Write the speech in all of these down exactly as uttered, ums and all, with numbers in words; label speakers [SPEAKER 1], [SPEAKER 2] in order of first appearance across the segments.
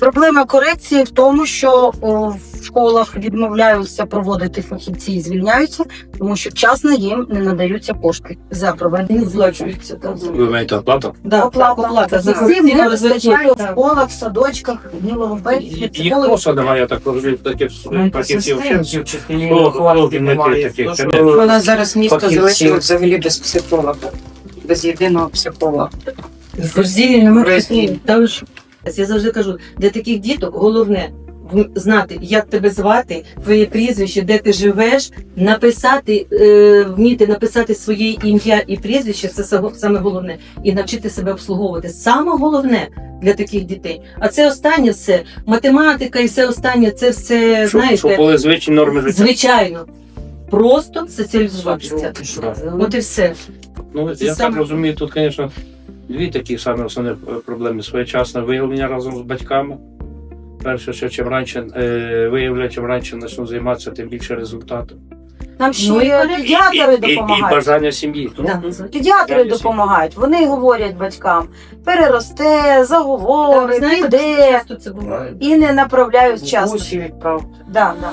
[SPEAKER 1] Проблема корекції в тому, що о, в школах відмовляються проводити фахівці і звільняються, тому що вчасно їм не надаються кошти за проведення злочинців.
[SPEAKER 2] Ви маєте оплату?
[SPEAKER 1] Да, оплата,
[SPEAKER 3] оплата.
[SPEAKER 1] за всім не вистачає в школах, в садочках, ні логопедів,
[SPEAKER 2] Їх
[SPEAKER 1] психологів.
[SPEAKER 2] просто немає, я так розумію, таких фахівців.
[SPEAKER 3] вчителів,
[SPEAKER 2] Хто-
[SPEAKER 3] вихователів
[SPEAKER 2] хто не
[SPEAKER 3] немає.
[SPEAKER 2] таких,
[SPEAKER 3] Тому що
[SPEAKER 2] конечно.
[SPEAKER 3] У нас зараз місто
[SPEAKER 2] Фахівців.
[SPEAKER 3] залишилось взагалі без психолога, без єдиного психолога.
[SPEAKER 4] Розділення ми та ви що? Я завжди кажу, для таких діток головне в- знати, як тебе звати, твоє прізвище, де ти живеш, написати, е, вміти написати своє ім'я і прізвище, це само- саме головне, і навчити себе обслуговувати. Саме головне для таких дітей. А це останнє все, математика і все останнє, це все,
[SPEAKER 2] Щоб, щоб
[SPEAKER 4] знаєте,
[SPEAKER 2] були звичні норми життя.
[SPEAKER 4] звичайно, просто соціалізуватися. От і все.
[SPEAKER 2] Ну,
[SPEAKER 4] Це
[SPEAKER 2] я
[SPEAKER 4] саме-
[SPEAKER 2] так розумію, тут, звісно, дві такі самі основні е, проблеми. Своєчасне виявлення разом з батьками. Перше, що чим раніше е, виявлять, чим раніше почнуть займатися, тим більше результату.
[SPEAKER 1] Нам ще
[SPEAKER 4] Ну, і-
[SPEAKER 1] педіатри
[SPEAKER 2] І, і, і
[SPEAKER 1] допомагають.
[SPEAKER 2] бажання сім'ї.
[SPEAKER 4] Да.
[SPEAKER 1] Педіатри
[SPEAKER 2] Я
[SPEAKER 1] допомагають. Вони говорять батькам, переросте, заговори,
[SPEAKER 4] Ви знаєте,
[SPEAKER 1] піде
[SPEAKER 4] часто це буває.
[SPEAKER 1] і не направляють вчасно.
[SPEAKER 3] Усі відправ.
[SPEAKER 1] Да, да.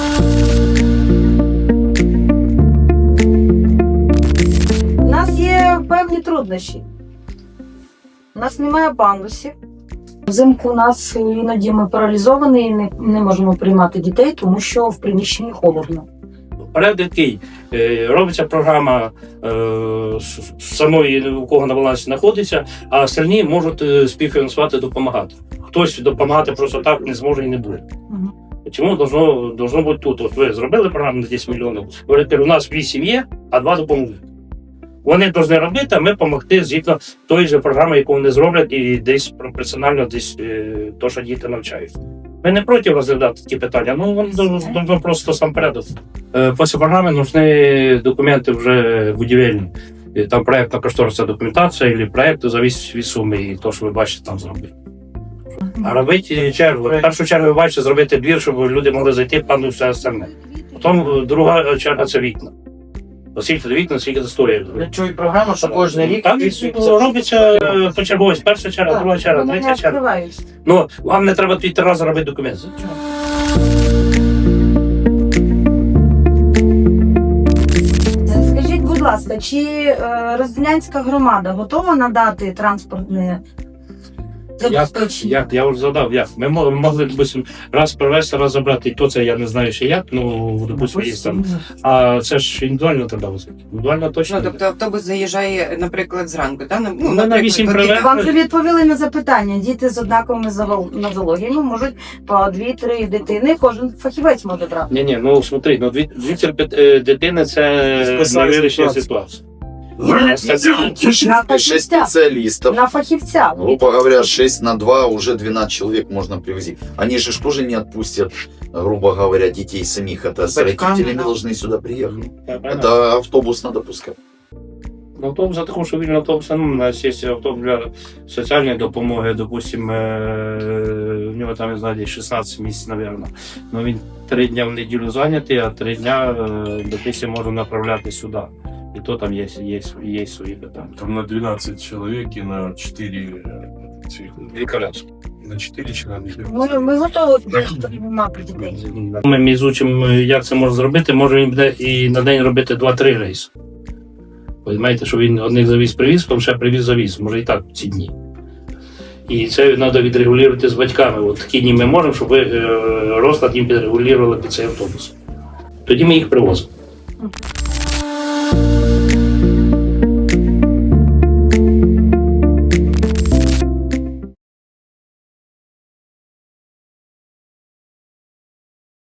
[SPEAKER 1] У нас є певні труднощі. У нас немає пандусів. Взимку у нас іноді ми паралізовані і не, не можемо приймати дітей, тому що в приміщенні холодно.
[SPEAKER 2] Порядок такий. Е, Робиться програма е, с- с- самої, у кого на балансі знаходиться, а остальні можуть е, співфінансувати, допомагати. Хтось допомагати просто так не зможе і не буде.
[SPEAKER 1] Мгм.
[SPEAKER 2] Чому должно, должно бути тут? От ви зробили програму на десять мільйонів, говорите, у нас вісім є, а два допоможуть. Вони повинні робити, а ми допомогти згідно тої ж програми, яку вони зроблять, і десь пропорціонально десь е, то, що діти навчають. Ми не проти розглядати такі питання, ну воно должно просто сам порядок. Е, Після програми нужны документи вже будівельні. Е, Там проєктна кошторисна документація, або проєкти зависить від суми, і то, що ви бачите, там зробити. А робити чергу. В першу чергу ви бачите зробити двір, щоб люди могли зайти, пану все остальне. Потім е, друга черга це вікна. Оскільки до вікна, скільки це стоїть.
[SPEAKER 3] Я чую програму, що кожен рік
[SPEAKER 2] Там
[SPEAKER 3] вписується.
[SPEAKER 2] робиться е, почерговість. Перша черга, друга черга,
[SPEAKER 1] Вони не
[SPEAKER 2] третя черга.
[SPEAKER 1] відкриваються.
[SPEAKER 2] Ну, вам не треба три рази робити документ.
[SPEAKER 1] Скажіть, будь ласка, чи е, Розділянська громада готова надати транспортне
[SPEAKER 2] Як,
[SPEAKER 1] забезпечення?
[SPEAKER 2] як, я вже задав, як. Ми мо- могли, допустим, раз привезти, раз забрати, і то це я не знаю ще як, ну, допустим, є там. А це ж індивідуально треба возити. Індивідуально точно.
[SPEAKER 3] Ну, тобто автобус заїжджає, наприклад, зранку, та? Ну,
[SPEAKER 2] Ну, на
[SPEAKER 3] наприклад,
[SPEAKER 2] вісім
[SPEAKER 3] поки-
[SPEAKER 2] привез.
[SPEAKER 1] Вам вже відповіли на запитання. Діти з однаковими золо- нозологіями можуть по дві-три дитини, кожен фахівець може брати.
[SPEAKER 2] Ні, ні, ну смотри, ну дві, дві терпи- е, дитини це
[SPEAKER 5] Списали
[SPEAKER 2] не вирішення
[SPEAKER 5] ситуацію.
[SPEAKER 2] ситуації.
[SPEAKER 1] На
[SPEAKER 5] шесть
[SPEAKER 1] фахівця.
[SPEAKER 5] специалистов.
[SPEAKER 1] На фахівця.
[SPEAKER 5] Грубо говоря, шесть на два уже двенадцать человек можно привозить. Они же ж тоже не отпустят, грубо говоря, детей самих. Это с
[SPEAKER 3] Батькам,
[SPEAKER 5] родителями
[SPEAKER 3] да.
[SPEAKER 5] должны сюда приехать.
[SPEAKER 2] Это...
[SPEAKER 5] Это автобус надо пускать.
[SPEAKER 2] Ну, автобус, за таку, що вільний автобус, ну, у нас є автобус для соціальної допомоги, допустимо, е, у нього там, я знаю, десь шістнадцять місць, мабуть. Ну, він три дня в неділю зайнятий, а три дня, е, допустимо, можна направляти сюди. І то там є, є, є свої питання.
[SPEAKER 6] Там на двенадцать человек и на четыре э, цих,
[SPEAKER 2] Дві коляски.
[SPEAKER 6] на четыре человека.
[SPEAKER 1] Ми, ми готові приймати дітей.
[SPEAKER 2] Ми ізучимо, як це можна зробити, може він буде і на день робити два-три рейси. Ви знаєте, що він одних завіз привіз, потім ще привіз завіз, може і так ці дні. І це треба відрегулювати з батьками. От такі дні ми можемо, щоб ви е, розклад їм підрегулювали під цей автобус. Тоді ми їх привозимо.